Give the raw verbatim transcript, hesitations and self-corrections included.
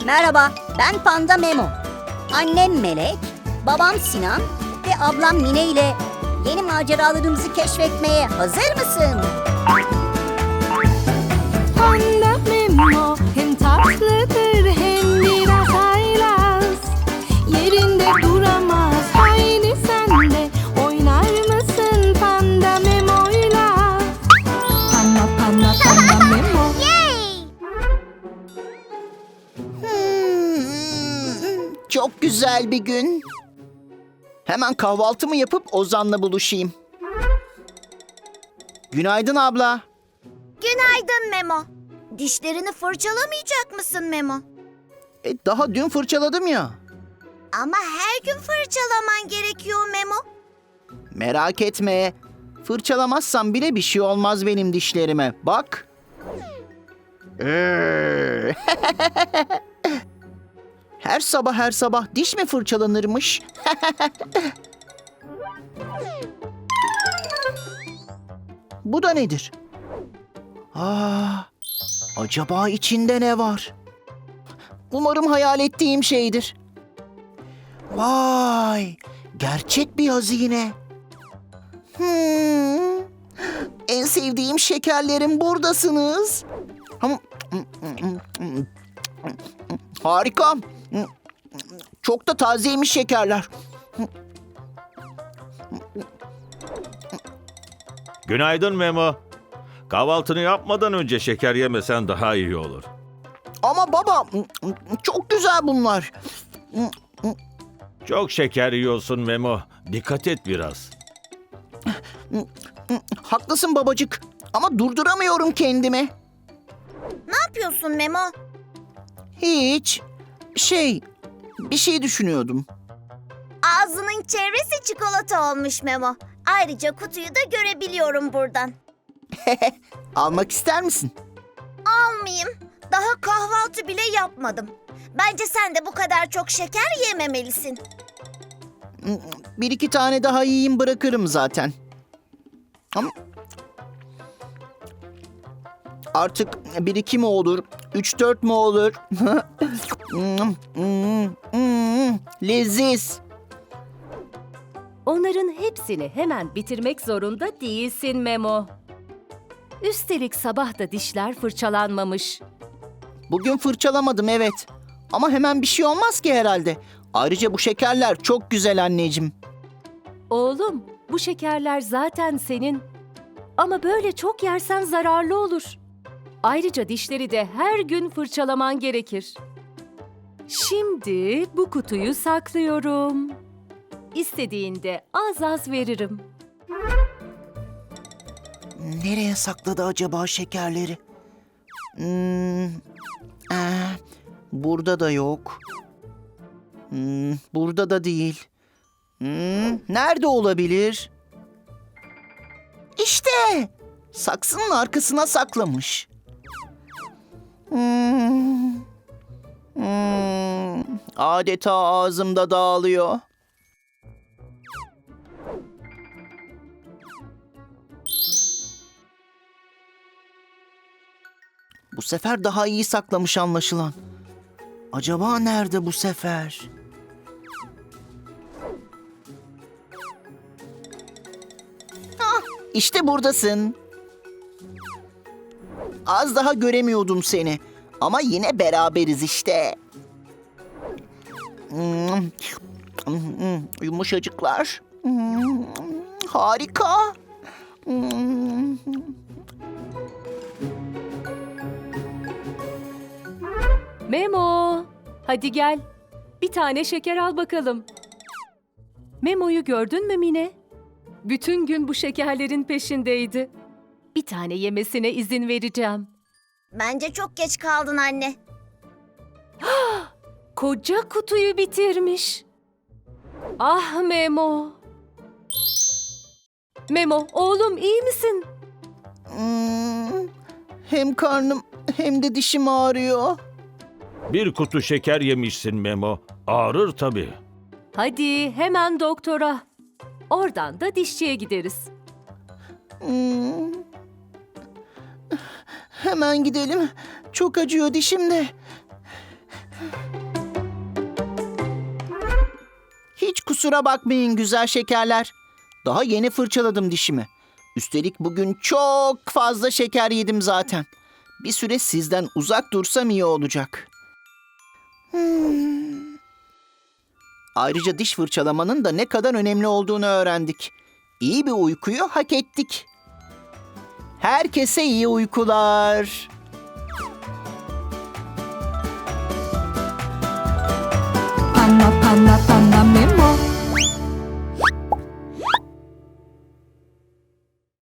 Merhaba, ben Panda Memo. Annem Melek, babam Sinan ve ablam Mine ile yeni maceralarımızı keşfetmeye hazır mısın? Panda Memo hem tatlıdır hem biraz haylaz. Yerinde duramaz, haydi sen de oynar mısın Panda Memo'yla? Panda panda panda Memo. Hmm, çok güzel bir gün. Hemen kahvaltımı yapıp Ozan'la buluşayım. Günaydın abla. Günaydın Memo. Dişlerini fırçalamayacak mısın Memo? E, daha dün fırçaladım ya. Ama her gün fırçalaman gerekiyor Memo. Merak etme. Fırçalamazsam bile bir şey olmaz benim dişlerime. Bak. Ee. Her sabah her sabah diş mi fırçalanırmış? Bu da nedir? Aa, acaba içinde ne var? Umarım hayal ettiğim şeydir. Vay, gerçek bir hazine. Hmm, en sevdiğim şekerlerim buradasınız. Harika. Çok da tazeymiş şekerler. Günaydın Memo. Kahvaltını yapmadan önce şeker yemesen daha iyi olur. Ama baba, çok güzel bunlar. Çok şeker yiyorsun Memo. Dikkat et biraz. Haklısın babacık. Ama durduramıyorum kendimi. Ne yapıyorsun Memo? Hiç. Şey, bir şey düşünüyordum. Ağzının çevresi çikolata olmuş Memo. Ayrıca kutuyu da görebiliyorum buradan. Almak ister misin? Almayayım. Daha kahvaltı bile yapmadım. Bence sen de bu kadar çok şeker yememelisin. Bir iki tane daha yiyeyim bırakırım zaten. Ama artık bir iki mi olur, üç dört mü olur? Hmm, hmm, hmm, leziz. Onların hepsini hemen bitirmek zorunda değilsin Memo. Üstelik sabah da dişler fırçalanmamış. Bugün fırçalamadım evet. Ama hemen bir şey olmaz ki herhalde. Ayrıca bu şekerler çok güzel anneciğim. Oğlum, bu şekerler zaten senin. Ama böyle çok yersen zararlı olur. Ayrıca dişleri de her gün fırçalaman gerekir. Şimdi bu kutuyu saklıyorum. İstediğinde az az veririm. Nereye sakladı acaba şekerleri? Hmm, eh, burada da yok. Hmm, burada da değil. Hmm, nerede olabilir? İşte! Saksının arkasına saklamış. Hmm, hmm, adeta ağzımda dağılıyor. Bu sefer daha iyi saklamış anlaşılan. Acaba nerede bu sefer? Ah, işte buradasın. Az daha göremiyordum seni. Ama yine beraberiz işte. Hmm, hmm, yumuşacıklar. Hmm, harika. Hmm. Memo, hadi gel. Bir tane şeker al bakalım. Memo'yu gördün mü Mine? Bütün gün bu şekerlerin peşindeydi. Bir tane yemesine izin vereceğim. Bence çok geç kaldın anne. Koca kutuyu bitirmiş. Ah Memo. Memo, oğlum iyi misin? Hmm, hem karnım hem de dişim ağrıyor. Bir kutu şeker yemişsin Memo. Ağrır tabii. Hadi hemen doktora. Oradan da dişçiye gideriz. Hmm. Hemen gidelim. Çok acıyor dişim de. Hiç kusura bakmayın güzel şekerler. Daha yeni fırçaladım dişimi. Üstelik bugün çok fazla şeker yedim zaten. Bir süre sizden uzak dursam iyi olacak. Hmm. Ayrıca diş fırçalamanın da ne kadar önemli olduğunu öğrendik. İyi bir uykuyu hak ettik. Herkese iyi uykular. Panda panda panda Memo